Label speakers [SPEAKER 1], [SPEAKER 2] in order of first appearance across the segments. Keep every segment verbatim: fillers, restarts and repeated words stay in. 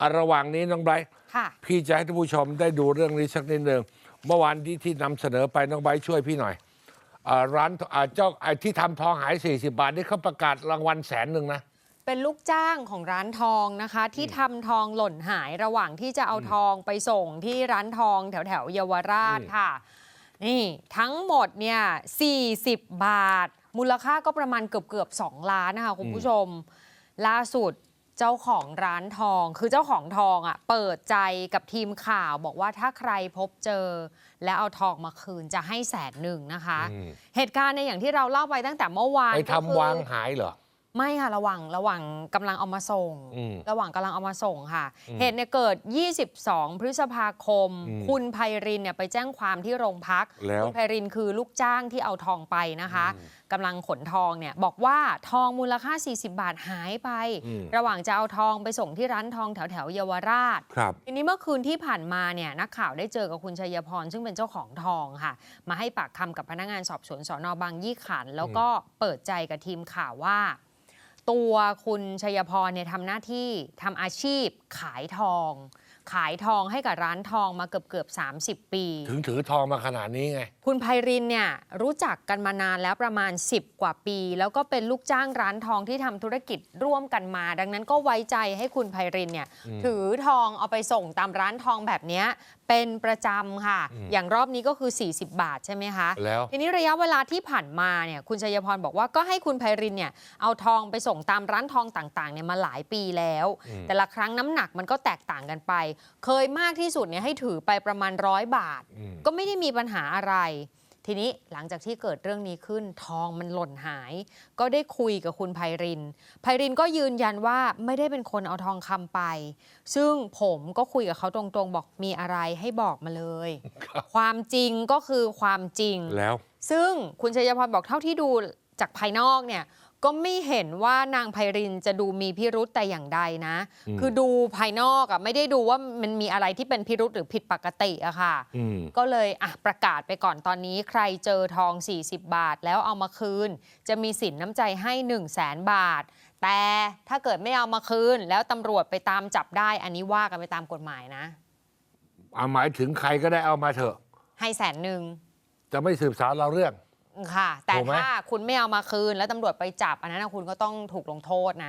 [SPEAKER 1] อ่ะระหว่างนี้น้องไบรท์
[SPEAKER 2] ค่ะ
[SPEAKER 1] พี่จะให้ท่านผู้ชมได้ดูเรื่องนี้สักนิดหนึ่งเมื่อวานที่ที่นำเสนอไปน้องไบรท์ช่วยพี่หน่อยอ่าร้านอ่าเจ้าไอ้ที่ทำทองหายสี่สิบบาทนี่เขาประกาศรางวัลแสนหนึ่งนะ
[SPEAKER 2] เป็นลูกจ้างของร้านทองนะคะ ที่ทำทองหล่นหายระหว่างที่จะเอาทองไปส่งที่ร้านทองแถวแถวๆเยาวราชค่ะ นี่ทั้งหมดเนี่ยสี่สิบบาท มูลค่าก็ประมาณเกือบเกือบสองล้านนะคะคุณผู้ชม ล่าสุดเจ้าของร้านทองคือเจ้าของทองอ่ะเปิดใจกับทีมข่าวบอกว่าถ้าใครพบเจอ แล้วเอาทองมาคืนจะให้แสในหนึ่งนะคะ เหตุการณ์ในอย่างที่เราเล่าไปตั้งแต่เมื่อวาน
[SPEAKER 1] ไป
[SPEAKER 2] ก็คือ
[SPEAKER 1] ทำวางหายเหรอ
[SPEAKER 2] ไม่ค่ะระหว่างระหว่างกำลังเอามาส่ง ระหว่างกำลังเอามาส่งค่ะ เหตุเนี่ยเกิด ยี่สิบสอง พฤษภาคม คุณไพรินเนี่ยไปแจ้งความที่โรงพัก
[SPEAKER 1] แล้ว
[SPEAKER 2] คุณไพรินคือลูกจ้างที่เอาทองไปนะคะกำลังขนทองเนี่ยบอกว่าทองมูลค่า สี่สิบบาทหายไป ระหว่างจะเอาทองไปส่งที่ร้านทองแถวแถวๆเยาวราช
[SPEAKER 1] ครับ
[SPEAKER 2] ทีนี้เมื่อคืนที่ผ่านมาเนี่ยนักข่าวได้เจอกับคุณชัยพรซึ่งเป็นเจ้าของทองค่ะ มาให้ปากคำกับพนักงานสอบสวนสนบางยี่ขันธ์แล้วก็เปิดใจกับทีมข่าวว่า ตัวคุณชัยพรเนี่ยทำหน้าที่ทำอาชีพขายทอง ขายทองให้กับร้านทองมาเกือบเกือบสามสิบปี
[SPEAKER 1] ถึงถือทองมาขนาดนี้ไง
[SPEAKER 2] คุณไพรินเนี่ยรู้จักกันมานานแล้วประมาณสิบกว่าปี แล้วก็เป็นลูกจ้างร้านทองที่ทำธุรกิจร่วมกันมา ดังนั้นก็ไว้ใจให้คุณไพรินเนี่ยถือทองเอาไปส่งตามร้านทองแบบนี้เป็นประจำค่ะ อย่างรอบนี้ก็คือสี่สิบบาทใช่ไหมคะ
[SPEAKER 1] แล้ว
[SPEAKER 2] ทีนี้ระยะเวลาที่ผ่านมาเนี่ยคุณชัยพรบอกว่าก็ให้คุณไพรินเนี่ยเอาทองไปส่งตามร้านทองต่างๆเนี่ยมาหลายปีแล้ว แต่ละครั้งน้ำหนักมันก็แตกต่างกันไป เคยมากที่สุดเนี่ยให้ถือไปประมาณร้อยบาท ก็ไม่ได้มีปัญหาอะไร ทีนี้หลังจากที่เกิดเรื่องนี้ขึ้นทองมันหล่นหาย ก็ได้คุยกับคุณไพรินไพรินก็ยืนยันว่าไม่ได้เป็นคนเอาทองคำไป ซึ่งผมก็คุยกับเขาตรงๆบอกมีอะไรให้บอกมาเลย ความจริงก็คือความจริง
[SPEAKER 1] แล้ว
[SPEAKER 2] ซึ่งคุณชัยพรบอกเท่าที่ดูจากภายนอกเนี่ยก็ไม่เห็นว่านางไพรินจะดูมีพิรุธแต่อย่างใดนะ คือดูภายนอกอะไม่ได้ดูว่ามันมีอะไรที่เป็นพิรุธหรือผิดปกติอะค่ะ ก็เลยอ่ะประกาศไปก่อนตอนนี้ใครเจอทองสี่สิบบาทแล้วเอามาคืน จะมีสินน้ำใจให้หนึ่งแสนบาท แต่ถ้าเกิดไม่เอามาคืน แล้วตำรวจไปตามจับได้อันนี้ว่ากันไปตามกฎหมายนะ
[SPEAKER 1] เอาหมายถึงใครก็ได้เอามาเถอะ
[SPEAKER 2] ให้แสนหนึ่ง
[SPEAKER 1] จะไม่สืบสาวเราเรื่อง
[SPEAKER 2] ค่ะ แต่
[SPEAKER 1] ถูกไหม
[SPEAKER 2] ถ้าคุณไม่เอามาคืนแล้วตำรวจไปจับอันนั้นนะคุณก็ต้องถูกลงโทษนะ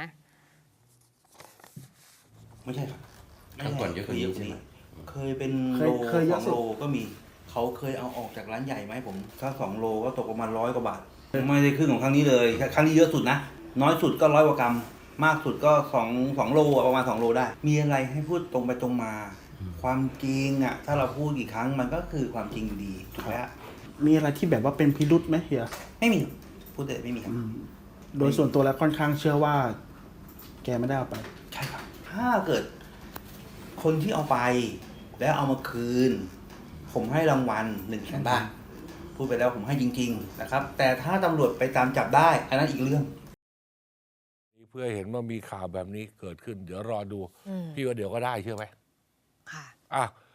[SPEAKER 3] ไม่ใช่ครับ
[SPEAKER 4] ครั้งก่อนเยอะกว่านี้ใช่ไหม
[SPEAKER 3] เคยเป็น
[SPEAKER 5] เค
[SPEAKER 3] โล
[SPEAKER 5] ยเคยเย
[SPEAKER 3] ส
[SPEAKER 5] อะ
[SPEAKER 3] อง
[SPEAKER 5] สุด
[SPEAKER 3] โลก็มี เขาเคยเอาออกจากร้านใหญ่ไหมาให้ผม ถ้าสองโลก็ตกประมาณร้อยกว่าบาท ไม่ได้ครึ่งของครั้งนี้เลยครั้งนี้เยอะสุดนะ น้อยสุดก็ร้อยกว่ากรัม มากสุดก็สองสองโลอะประมาณสองโลได้ มีอะไรให้พูดตรงไปตรงมา ความจริงอ่ะ ถ้าเราพูดกี่ครั้งมันก็คือความจริงอยู่ดีถูกไหมฮะ
[SPEAKER 5] มีอะไรที่แบบว่าเป็นพิรุษไหมเฮีย
[SPEAKER 3] ไม่มี พูดแต่ไม่มีครับ
[SPEAKER 5] โดยส่วนตัวแล้วค่อนข้างเชื่อว่า แกไม่ได้เอาไป
[SPEAKER 3] ใช่ครับ ถ้าเกิด คนที่เอาไป แล้วเอามาคืน ผมให้รางวัลหนึ่งแสนบาท พูดไปแล้วผมให้จริง ๆ นะครับ แต่ถ้าตำรวจไปตามจับได้ อันนั้นอีกเรื่อง
[SPEAKER 1] เพื่อเห็นว่ามีข่าวแบบนี้เกิดขึ้น เดี๋ยวรอดู
[SPEAKER 2] อืม
[SPEAKER 1] พี่ว่าเดี๋ยวก็ได้เชื่อไหม
[SPEAKER 2] ค่ะ
[SPEAKER 1] อ่ะ